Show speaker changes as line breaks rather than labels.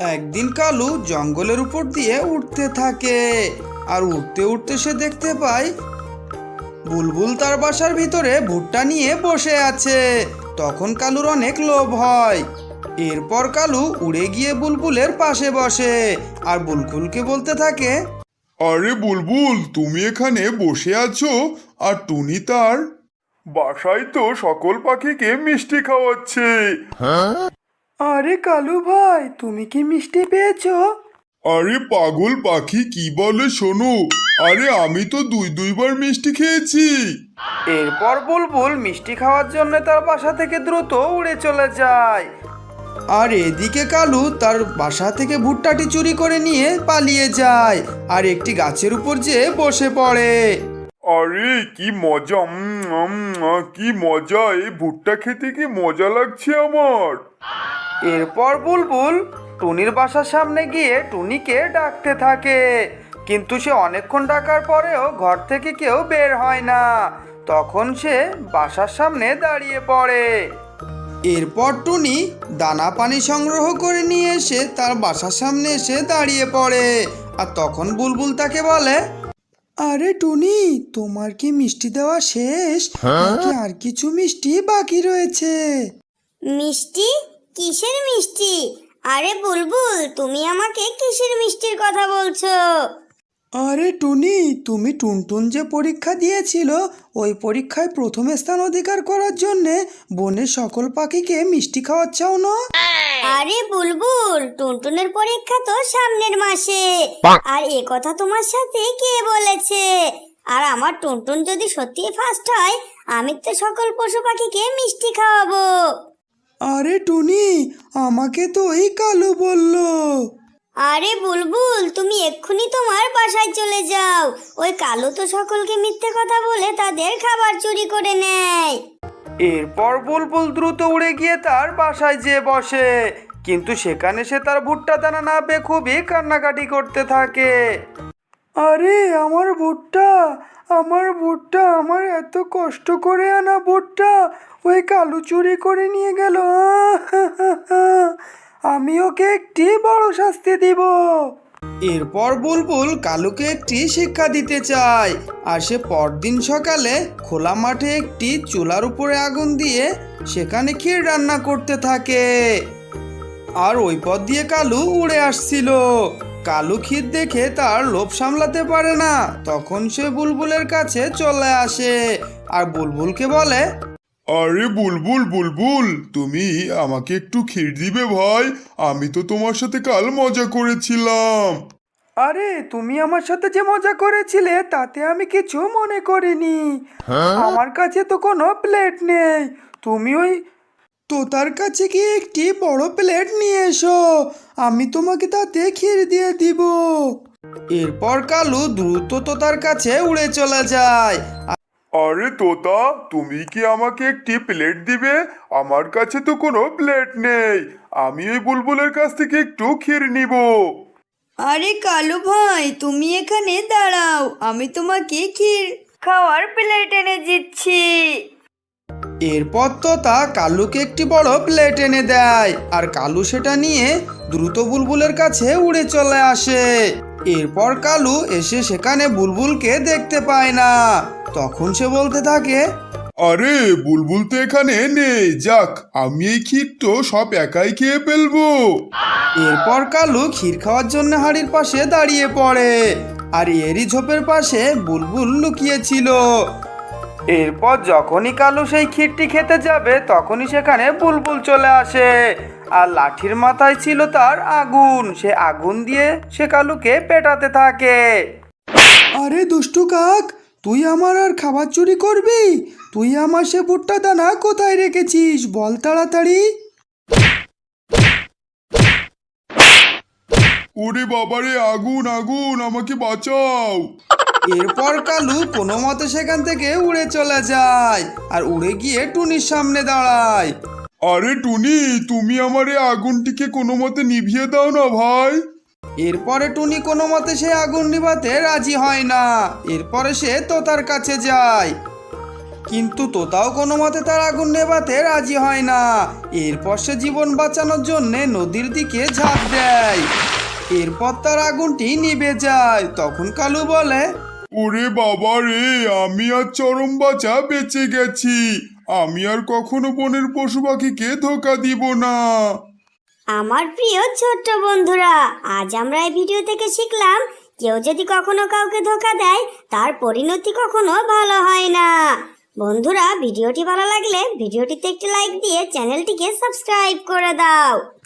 একদিন কালু জঙ্গলের উপর দিয়ে উঠতে থাকে। আর উঠতে উঠতে সে দেখতে পায় বুলবুল তার বাসার ভিতরে ভুট্টা নিয়ে বসে আছে। তখন কালুর অনেক লোভ হয়। এরপর কালু উড়ে গিয়ে বুলবুলের পাশে বসে আর বুলবুলকে বলতে থাকে,
আরে বুলবুল, তুমি এখানে বসে আছো আর টুনি তার বাসায় তো সকল পাখিকে মিষ্টি খাওয়াচ্ছে।
আরে কালু ভাই, তুমি কি মিষ্টি পেয়েছো?
আরে পাগল পাখি, কি বলে শোনো, আরে আমি তো দুইবার মিষ্টি খেয়েছি।
এরপর বুলবুল মিষ্টি খাওয়ার জন্য তার বাসা থেকে দ্রুত উড়ে চলে যায়। আর এদিকে কালু তার বাসা থেকে ভুট্টাটি চুরি করে নিয়ে পালিয়ে যায় আর একটি গাছের উপর যেয়ে বসে পড়ে।
আরে কি মজা, কি মজা, এই ভুট্টা খেতে কি মজা লাগছে আমার।
এরপর বুলবুল টুনির বাসার সামনে গিয়ে টুনিকে ডাকতে থাকে, কিন্তু সে অনেকক্ষণ ডাকার পরেও ঘর থেকে কেউ বের হয় না। তখন সে বাসার সামনে দাঁড়িয়ে পড়ে। এরপর টুনি দানা পানি সংগ্রহ করে নিয়ে এসে তার বাসার সামনে এসে দাঁড়িয়ে পড়ে। আর তখন বুলবুল তাকে বলে, আরে টুনি, তোমার কি মিষ্টি দেওয়া শেষ নাকি আর কিছু মিষ্টি বাকি রয়েছে?
মিষ্টি? কিসের মিষ্টি? আরে বুলবুল, তুমি আমাকে কিসের মিষ্টির কথা বলছো?
আরে টুনি, তুমি টুনটুন যে পরীক্ষা দিয়েছিল, ওই পরীক্ষায় প্রথম স্থান অধিকার করার জন্যে বনের সকল পাখিকে মিষ্টি খাওয়াচ্ছাও না?
আরে বুলবুল, টুনটুনের পরীক্ষা তো সামনের মাসে। আর এ কথা তোমার সাথে কে বলেছে? আর আমার টুনটুন যদি সত্যি ফার্স্ট হয়, আমি তো সকল পশু পাখিকে মিষ্টি খাওয়াবো।
আরে টুনি, আমাকে তো এই কালু বললো।
আরে বুলবুল, তুমি এক্ষুনি তোমার বাসায় চলে যাও। ওই কালো তো সকলকে মিথ্যে কথা বলে তাদের খাবার চুরি করে নেয়।
এরপর বুলবুল দ্রুত উড়ে গিয়ে তার বাসায় যেয়ে বসে, কিন্তু সেখানে সে তার ভুট্টা দানা না পেয়ে খুবই কান্নাকাটি করতে থাকে। আরে আমার ভুট্টা, আমার ভুট্টা, আমার এত কষ্ট করে আনা ভুট্টা ওই কালু চুরি করে নিয়ে গেল। আমি ওকে একটি বড় শাস্তি দিব। এরপর বুলবুল কালুকে একটি শিক্ষা দিতে চায়। আর সে পরদিন সকালে খোলা মাঠে একটি চুলার উপরে আগুন দিয়ে সেখানে ক্ষীর রান্না করতে থাকে। আর ওই পথ দিয়ে কালু উড়ে আসছিল। কালু ক্ষীর দেখে তার লোভ সামলাতে পারে না, তখন সে বুলবুলের কাছে চলে আসে আর বুলবুলকে বলে,
আরে বুলবুল বুলবুল, তুমি আমাকে একটু ক্ষীর দিবে ভাই? আমি তো তোমার সাথে কাল মজা করেছিলাম।
আরে তুমি আমার সাথে যে মজা করেছিলে তাতে আমি কিছু মনে করিনি। আমার কাছে তো কোনো প্লেট নেই। তুমি ওই তোতার কাছে গিয়ে একটি বড় প্লেট নিয়ে এসো, আমি তোমাকে তাতে ক্ষীর দিয়ে দিব। এরপর কালু দ্রুত তোতার কাছে উড়ে চলে যায়।
আরে তোতা, তুমি কি আমাকে একটি প্লেট দিবে? আমার কাছে তো কোনো প্লেট নেই। আমি এই বুলবুলের কাছ থেকে একটু ক্ষীর নিব।
আরে কালু ভাই, তুমি এখানে দাঁড়াও, আমি তোমাকে ক্ষীর খাওয়ার প্লেট এনে দিচ্ছি।
এরপর তোতা কালুকে একটি বড় প্লেট এনে দেয় আর কালু সেটা নিয়ে দ্রুত বুলবুলের কাছে উড়ে চলে আসে। এরপর কালু এসে সেখানে বুলবুলকে দেখতে পায় না। তখন সে বলতে থাকে,
আরে বুলবুল তো এখানে নেই, যাক আমি এই ক্ষীর তো সব একাই খেয়ে ফেলবো।
এরপর কালু ক্ষীর খাওয়ার জন্য হাঁড়ির পাশে দাঁড়িয়ে পড়ে আর এরই ঝোপের পাশে বুলবুল লুকিয়েছিল। এরপর যখনই কালু সেই ক্ষীরটি খেতে যাবে তখনই সেখানে বুলবুল চলে আসে আর লাঠির মাথায় ছিল তার আগুন। সে আগুন দিয়ে সে কালুকে পেটাতে থাকে। আরে দুষ্টু কাক, তুই আমার আর খাবার চুরি করবি? তুই আমার সে ভুট্টা দানা কোথায় রেখেছিস বল তাড়াতাড়ি।
ওরে বাবারে, আগুন আগুন, আমাকে বাঁচাও।
এরপর কালু কোনো মতে সেখান থেকে উড়ে চলে যায় আর উড়ে গিয়ে টুনির সামনে দাঁড়ায়।
আরে টুনি, তুমি আমার এই আগুনটিকে কোনো মতে নিভিয়ে দাও না ভাই।
এরপরে টুনি কোনো মতে সে আগুন নিভাতে রাজি হয় না। এরপরে সে তোতার কাছে যায়। কিন্তু তোতাও কোনো মতে তার আগুন নেভাতে রাজি হয় না। এরপর সে জীবন বাঁচানোর জন্যে নদীর দিকে ঝাঁপ দেয়। এরপর তার আগুনটি নিভে যায়। তখন কালু বলে,
ওরে বাবা রে, আমি আর চরম বাঁচা বেঁচে গেছি। আমি আর কখনো বনের পশু পাখিকে ধোকা দিব না।
আমার প্রিয় ছোট্ট বন্ধুরা, আজ আমরা এই ভিডিও থেকে শিখলাম কেউ যদি কখনো কাউকে ধোকা দেয় তার পরিণতি কখনো ভালো হয় না। বন্ধুরা, ভিডিওটি ভালো লাগলে ভিডিওটিতে একটি লাইক দিয়ে চ্যানেলটিকে সাবস্ক্রাইব করে দাও।